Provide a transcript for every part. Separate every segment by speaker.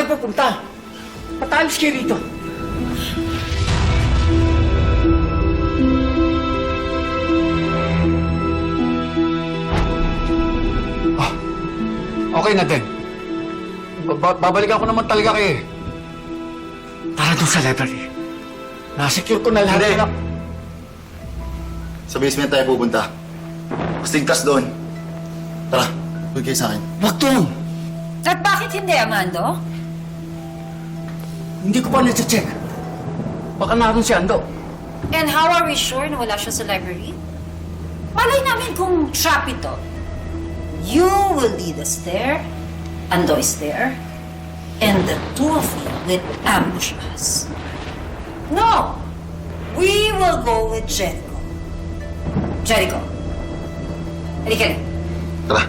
Speaker 1: kayo pupunta? Patalis kayo rito.
Speaker 2: Okay na din. Babalikan ko naman talaga kayo eh.
Speaker 1: Tara doon sa library. Nasecure ko na lahat.
Speaker 2: Hindi.
Speaker 1: ng-
Speaker 3: Sa basement tayo pupunta. Mas ligtas doon. Tara, huwag kayo sa akin.
Speaker 1: Wag doon.
Speaker 4: At bakit hindi, Amando?
Speaker 1: Hindi ko pa na-check. Baka naroon si Ando.
Speaker 4: And how are we sure na wala siya sa library? Malay namin kung trap ito. You will lead us there, Ando is there, and the two of you will ambush us. No! We will go with Jericho. Jericho. Halika na.
Speaker 3: Tara.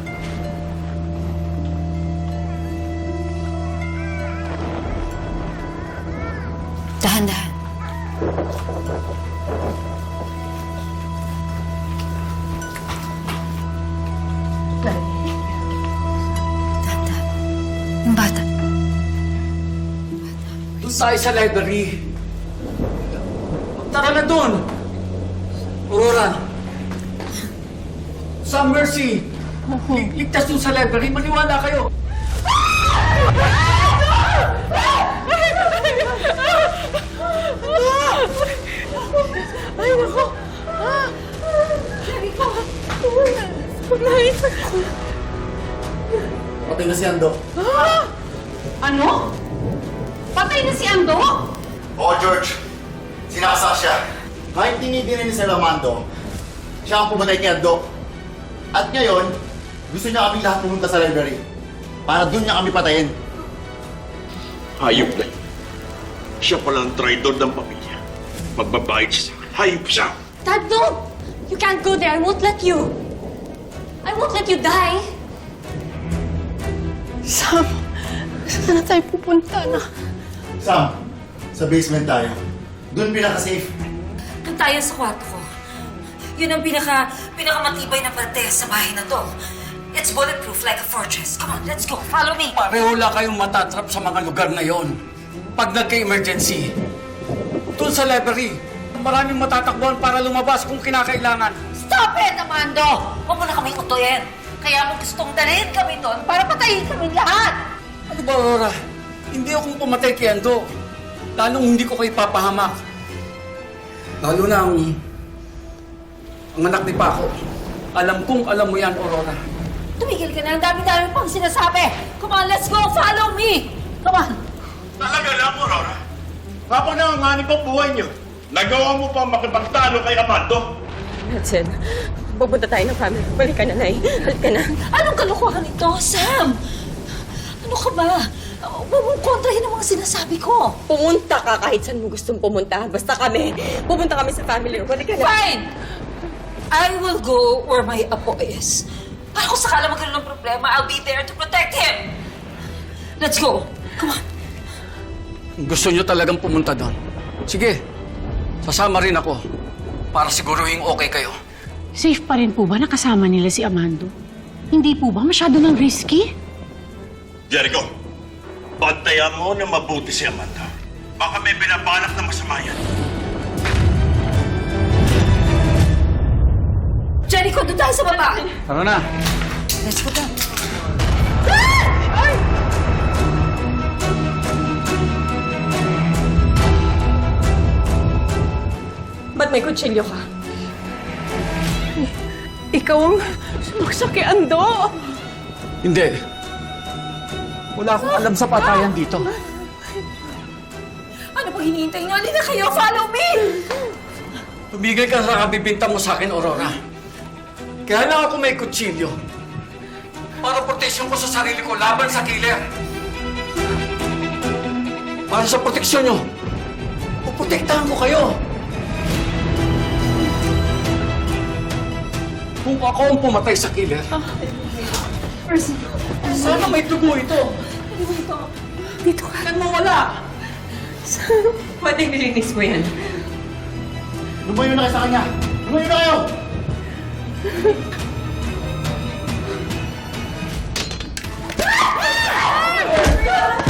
Speaker 4: Dahan-dahan. Dahan-dahan. Yung bata.
Speaker 1: Doon tayo sa library. Tara na doon. Aurora. Sa Mercy. Ligtas doon sa library. Maniwala kayo.
Speaker 5: Ay, nako! Jericho! Nice!
Speaker 3: Patay na si Ando.
Speaker 5: Ano? Patay na si Ando?
Speaker 3: Oo, George. Sinakasa siya. Kahit tinigil ni Sir Armando, siya ang pumatay kay Ando. At ngayon, gusto niya kaming lahat pumunta sa library. Para doon niya kami patayin.
Speaker 6: Hayop na yun. Siya pala ang traidor ng pamilya. Magbabayad siya sa akin. Hayop siya!
Speaker 5: Dad, no! You can't go there. I won't let you. I won't let you die. Sam, saan na tayo pupunta na?
Speaker 3: Sam, sa basement tayo. Doon pinaka-safe.
Speaker 4: Doon tayo sa kwarto ko. Yun ang pinakamatibay na parte sa bahay na to. It's bulletproof like a fortress. Come on, let's go. Follow me.
Speaker 1: Pareho lang kayong matatrap sa mga lugar na yon. Pag nagka-emergency. Doon sa library, maraming matatakbuhan para lumabas kung kinakailangan.
Speaker 4: Stop it, Amando! Huwag mo na kaming utuyin. Kaya mo gustong dalhin kami doon para patayin kami lahat.
Speaker 1: Ano ba, Aurora? Hindi akong pumatay kay Ando. Lalong hindi ko kayo papahamak. Lalo na ang anak ni Paco. Alam kong alam mo yan, Aurora.
Speaker 4: Tumigil ka na. Ang dami-dami pang sinasabi. Come on, let's go. Follow me. Come on.
Speaker 6: Talaga lang, Aurora. Kapag nanganganib ang buhay niyo, nagawa mo pa makipagtalo kay Amando.
Speaker 5: Hudson, pupunta tayo ng family. Balik ka na, Nay. Balik ka na.
Speaker 4: Anong kalokohan ito, Sam? Ano ka ba? Huwag mong kontrahin ang mga sinasabi ko.
Speaker 5: Pumunta ka kahit saan mo gustong pumunta. Basta kami. Pupunta kami sa family. Balik ka na.
Speaker 4: Fine! I will go where my apo is. Para kung sakala magkaroon ng problema, I'll be there to protect him. Let's go. Come on.
Speaker 1: Gusto nyo talagang pumunta doon. Sige, sasama rin ako. Para siguruhin okay kayo.
Speaker 7: Safe pa rin po ba nakasama nila si Amando? Hindi po ba masyado ng risky?
Speaker 6: Jericho, bantayan mo na mabuti si Amanda. Baka may binabalak na masama yan.
Speaker 4: Jericho, doon tayo sa baba.
Speaker 1: Tara na.
Speaker 4: Let's go down.
Speaker 5: Ba't may kutsilyo ka? Ikaw ang sumaksak kay Ando.
Speaker 1: Hindi. Wala akong alam sa patayan dito.
Speaker 4: Ano pang hinihintay nyo? Halina kayo, follow me!
Speaker 1: Tumigil ka sa kabibinta mo sa akin, Aurora. Kaya lang ako may kutsilyo. Para proteksyon ko sa sarili ko laban sa killer. Para sa proteksyon nyo, puprotektahan ko kayo. Kung ako ang pumatay sa killer, sana may dugo ito.
Speaker 5: Dito ka.
Speaker 1: Huwag mawala.
Speaker 5: Ba't nililinis mo yan?
Speaker 3: Lumayo na kayo sa kanya! Lumayo na kayo!